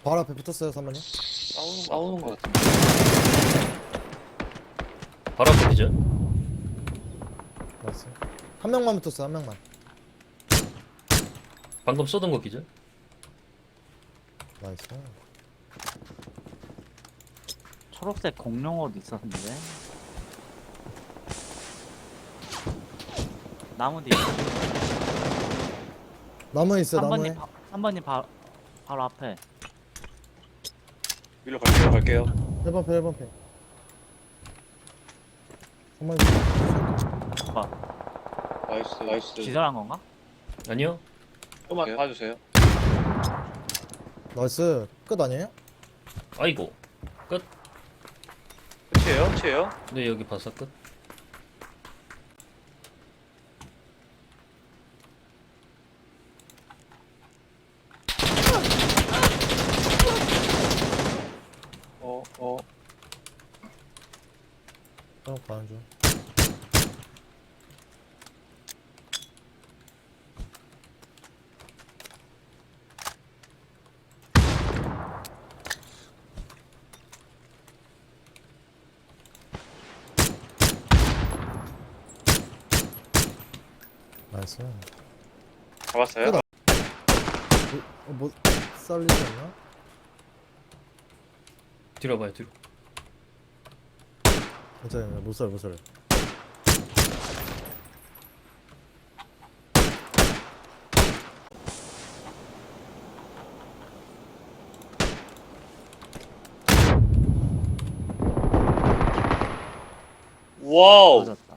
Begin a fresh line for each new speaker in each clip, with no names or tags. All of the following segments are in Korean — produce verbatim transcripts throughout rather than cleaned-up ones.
바로 앞에 붙었어요 삼번님.
싸우는, 싸우는 것 같은데.
바로 앞에 기절.
나이스. 한 명만 붙었어 한 명만.
방금 쏘던 거 기절.
나이스.
초록색 공룡 옷 있었는데. 나무 뒤에.
나무에 있어 나무에.
삼번님 바, 삼번님 바, 바로 앞에.
위로 갈게요, 갈게요.
일 번 패 일 번 패. 삼번님.
오빠
나이스, 나이스.
기절한 건가?
아니요.
조금만 봐주세요.
나이스. 끝 아니에요?
아이고. 끝.
끝이에요? 끝이에요?
네, 여기 봤어 끝.
어, 어.
어 가는 중. 나이스.
잡았어요?
끝. 어, 뭐 쌀리지 않나?
뒤로 봐요 뒤로.
괜찮아요. 못 살, 못 살.
와우!
맞았다.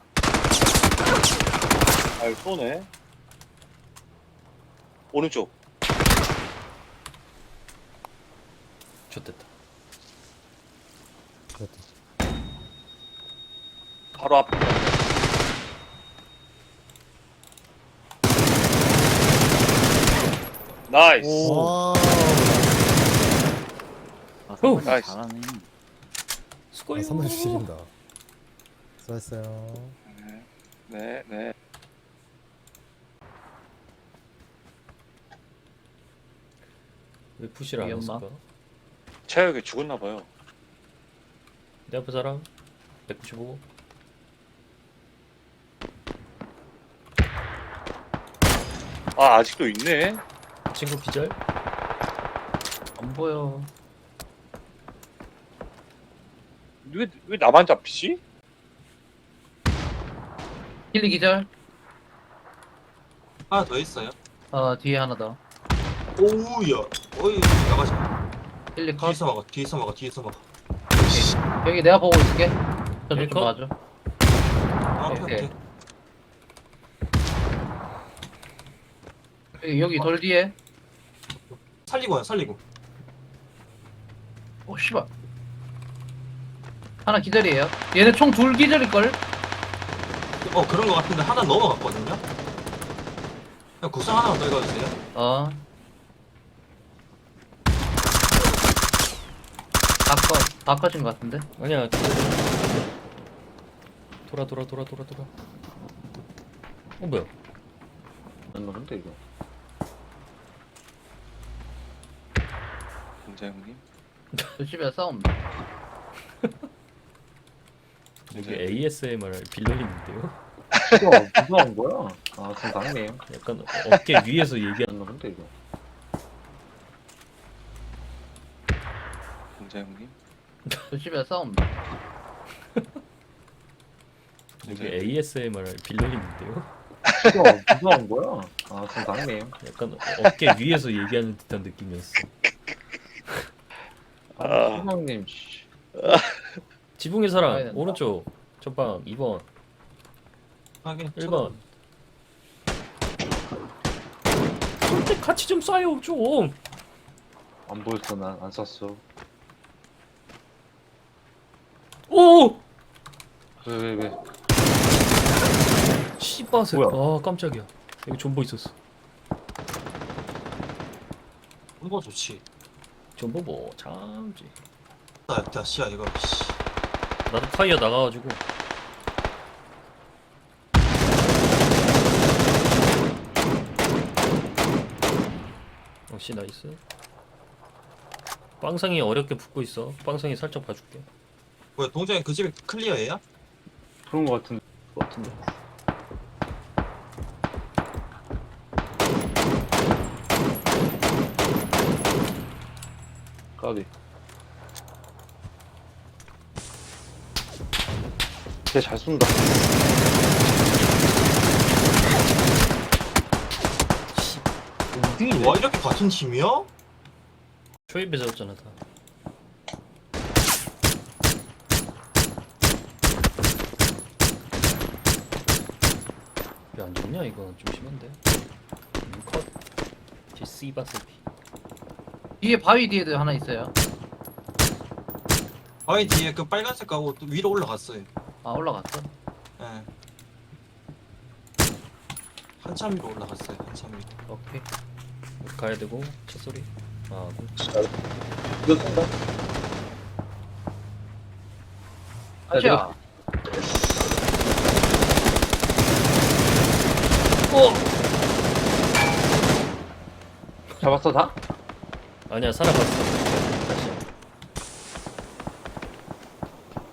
아유, 쏘네. 오른쪽.
좋됐다.
됐다.
바로 앞. 나이스.
오.
와.
아, 삼번님
나이스.
잘하네.
수고요.
아, 삼번 주십니다. 수고했어요.
네, 네, 네.
왜 푸시를 안
위험마.
했을까?
체력이 죽었나봐요.
내 앞에 사람 백구십오.
아, 아직도 있네.
친구 기절. 안 보여.
왜, 왜 나만 잡히지?
힐리 기절.
하나 더 있어요.
어 뒤에 하나 더.
오우야. 어이 나가지.
힐리 컷.
뒤에서 막아. 뒤에서 막아. 뒤에서 막아.
여기 내가 보고 있을게. 저쪽
힐리
좀
컷?
봐줘.
아, 오케이
오케이.
오케이.
여기 여기 돌 뒤에.
살리고 와. 살리고.
오 씨발. 하나 기절이에요. 얘네 총 둘 기절일 걸.
어 그런 거 같은데 하나 넘어갔거든요. 그냥 구상 하나만 더 읽어주세요.
어. 다 컷. 다 컷인 것 같은데.
아니야. 돌아 돌아 돌아 돌아 돌아. 어 뭐야?
안 나는데 이거.
공장님.
저 집에 싸움.
여기 에이에스엠알 빌런인데요?
이거 누가 온 거야? 아, 지금 당네요.
약간 어깨 위에서 얘기하는.
안 나는데 이거.
공장님.
저 집에 싸움.
여기 에이에스엠알 빌런인데요?
이거 누가 온 거야? 아, 지금 당네요.
약간 어깨 위에서 얘기하는 듯한 느낌이었어.
아,
수명님, 씨.
지붕의
가야
사람
된다.
오른쪽 전방 이 번
하긴.
일 번. 근데 같이 좀 쏴요 좀.
안 보였어, 난 안 쐈어.
오!
왜, 왜, 왜?
씨바세.
뭐야?
아 깜짝이야. 여기 존버 있었어.
이거 좋지.
존버 뭐 참지.
나 다시야 이거. 씨.
나도 타이어 나가가지고. 역시 나이스. 빵상이 어렵게 붙고 있어. 빵상이 살짝 봐줄게.
뭐야 동장이 그 집이 클리어예요?
그런 거 같은 거 같은데. 까비. 걔 잘 쏜다.
와 이렇게 같은 팀이야?
초입에 잡았잖아 다. 왜 안 좋냐 이거 좀 심한데. 음, 컷. 제 씨바 새끼.
뒤에 바위 뒤에도 하나 있어요.
바위 뒤에 그 빨간색 가고 또 위로 올라갔어요.
아 올라갔어.
예. 한참 위로 올라갔어요. 한참 위로.
오케이.
가야 되고 첫 소리. 아, 뭐.
이거 쏜다.
아시야.
잡았어 다?
아니야 살아갔어.